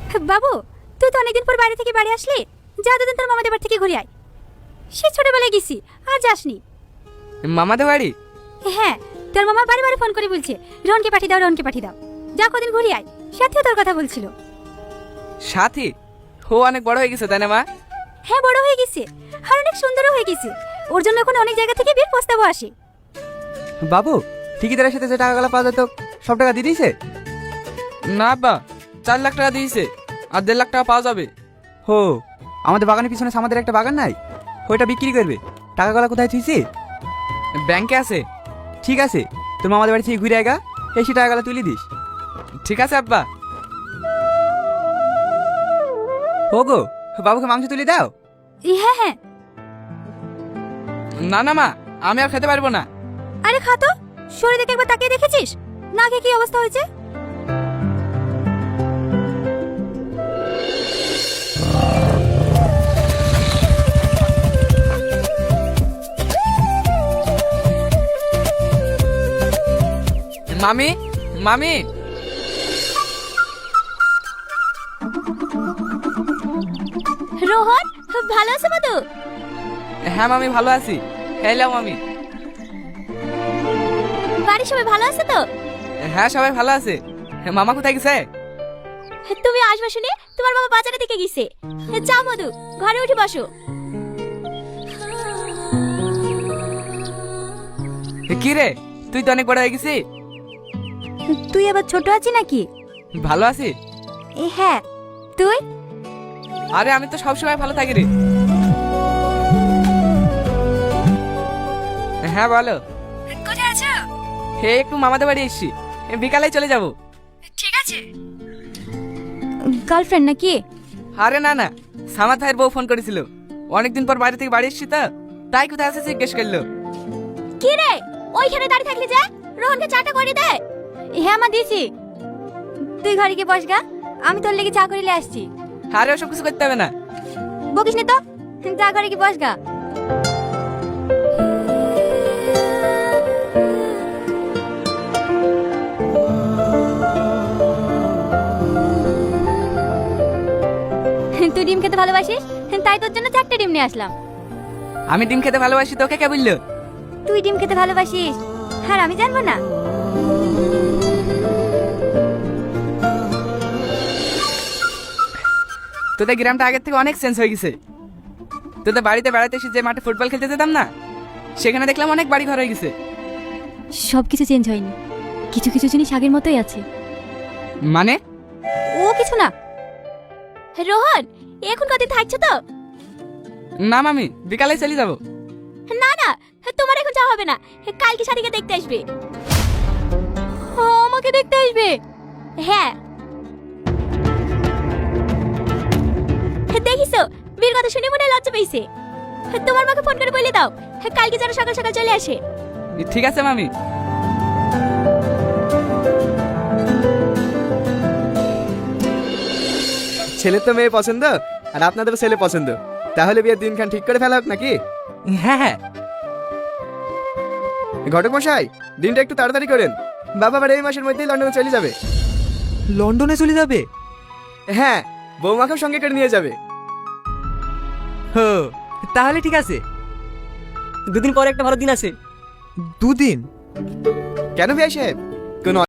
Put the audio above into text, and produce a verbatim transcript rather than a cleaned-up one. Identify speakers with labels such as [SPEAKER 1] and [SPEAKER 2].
[SPEAKER 1] বাবু, তুই তো অনেকদিন পর বাইরে থেকে বাড়ি আসলি, যা দুদিন তোর মামাদের বাড়ি থেকে ঘুরে আয়। সে ছোটবেলায় গেছি, আর যাসনি।
[SPEAKER 2] মামাদের বাড়ি?
[SPEAKER 1] হ্যাঁ, তোর মামা বারে বারে ফোন করে বলছে রনকে পাঠিয়ে দাও, রনকে পাঠিয়ে দাও। যা কদিন ঘুরে আয়। সাথেও তোর কথা বলছিল।
[SPEAKER 2] সাথী? ও অনেক বড় হয়ে গেছে তাই না মা?
[SPEAKER 1] হ্যাঁ, বড় হয়ে গেছে, আর অনেক সুন্দরও হয়ে গেছে। ওর জন্য এখন অনেক জায়গা থেকে বিয়ের প্রস্তাবও আসে।
[SPEAKER 3] বাবু, ঠিকাদারের সাথে যে টাকাগুলো পাওয়া যেত সব টাকা দিয়ে দিয়েছে?
[SPEAKER 2] না আব্বা, চার লাখ টাকা দিয়েছে, আর দেড় লাখ টাকা পাওয়া যাবে।
[SPEAKER 3] হো, আমাদের বাগানের পিছনে আমাদের একটা বাগান নাই, ওইটা বিক্রি করবে। টাকাগুলো কোথায় থুইছি?
[SPEAKER 2] ব্যাংকে আছে।
[SPEAKER 3] ঠিক আছে, তোর মামাদের বাড়ি থেকে ঘুরে আগা এসে টাকাগুলো তুলে দিস।
[SPEAKER 2] ঠিক আছে আব্বা।
[SPEAKER 3] ও গো, বাবুকে মাংস তুলে দাও।
[SPEAKER 1] হ্যাঁ হ্যাঁ।
[SPEAKER 2] না না মা, আমি আর খেতে পারবো না।
[SPEAKER 1] আরে খা তো, শরীর দেখে একবার তাকিয়ে দেখেছিস না, খেয়ে কি অবস্থা হয়েছে?
[SPEAKER 2] মামি, মামি।
[SPEAKER 1] রোহন, ভালো আছে মধু?
[SPEAKER 2] হ্যাঁ মামি, ভালো আছি। হ্যালো মামি।
[SPEAKER 1] বাড়ির সবাই ভালো আছে তো?
[SPEAKER 2] হ্যাঁ, সবাই ভালো আছে। মামা কোথায় গেছে?
[SPEAKER 1] তুমি আসবে শুনে তোমার বাবা বাজারের দিকে গেছে। যাও মধু, ঘরে উঠে বসো।
[SPEAKER 2] কি রে, তুই তো অনেক বড় হয়ে গেছিস।
[SPEAKER 1] তুই আবার ছোট আছিস নাকি?
[SPEAKER 2] ভালো আছি।
[SPEAKER 1] হ্যাঁ, তুই?
[SPEAKER 2] আরে আমি তো সবসময় ভালো থাকি রে। হ্যাঁ বলো।
[SPEAKER 1] কোথায় আছো?
[SPEAKER 2] হে, একটু মামাদের বাড়ি এসছি, বিকালে চলে যাব।
[SPEAKER 1] ঠিক আছে। গার্লফ্রেন্ড নাকি?
[SPEAKER 2] আরে না না, সামাদ ভাইয়ের বউ ফোন করেছিল, অনেকদিন পর বাইরে থেকে বাড়ি এসছি তো, তাই কোথায় আছে জিজ্ঞেস করলো।
[SPEAKER 1] কি রে, ওইখানে দাঁড়িয়ে থাকলি যে? রোহনকে চাটা করে দে। হ্যাঁ মা, দিছি। তুই ঘরে গিয়ে বস গা, আমি তোর লেগে চা করিলে আসছি।
[SPEAKER 2] আরে ওসব কিছু করতে হবে না।
[SPEAKER 1] বকিস নি তো, চা করে গিয়ে বস গা। তুই ডিম খেতে ভালোবাসিস, তাই তোর জন্য চারটে ডিম নিয়ে আসলাম।
[SPEAKER 2] আমি ডিম খেতে ভালোবাসি, তোকে কে বললো?
[SPEAKER 1] তুই ডিম খেতে ভালোবাসিস, আর আমি জানবো না?
[SPEAKER 2] তোদের গ্রামটা আগের থেকে অনেক চেঞ্জ হয়ে গেছে। তোদের বাড়িতে বেড়াতে এসে যে মাঠে ফুটবল খেলতে যেতাম না, সেখানে দেখলাম অনেক বাড়ি ঘর হয়ে গেছে।
[SPEAKER 1] সব কিছু চেঞ্জ হয়নি, কিছু কিছু জিনিস আগের মতোই আছে।
[SPEAKER 2] মানে?
[SPEAKER 1] ও কিছু না। রোহন, এখন কতদিন থাকছো তো?
[SPEAKER 2] না মামি, বিকালে চলে যাব।
[SPEAKER 1] না না, তোমার এখন যাওয়া হবে না, কালকে শাড়িকে দেখতে আসবে। আমাকে দেখতে আসবে? হ্যাঁ। দেখিছো, বীর কথা শুনে মনে হয় লজ্জা পেয়েছে। তোমার মাকে ফোন করে বলে দাও কালকে যেন সকাল সকাল চলে আসে।
[SPEAKER 2] ঠিক আছে মামি।
[SPEAKER 3] ছেলের তো মেয়ে পছন্দ, আর আপনাদেরও ছেলে পছন্দ, তাহলে বিয়ের দিনখান ঠিক করে ফেলা হোক নাকি?
[SPEAKER 2] হ্যাঁ হ্যাঁ।
[SPEAKER 3] ঘটক মশাই, দিনটা একটু তাড়াতাড়ি করেন, বাবা আবার এই মাসের মধ্যেই লন্ডনে চলে যাবে।
[SPEAKER 4] লন্ডনে চলে যাবে?
[SPEAKER 3] হ্যাঁ, বৌমাকেও সঙ্গে করে নিয়ে যাবে।
[SPEAKER 4] হো, তাহলে ঠিক আছে।
[SPEAKER 5] দুদিন পরে একটা ভালো দিন আছে।
[SPEAKER 4] দুদিন?
[SPEAKER 3] কেন ভাই সাহেব,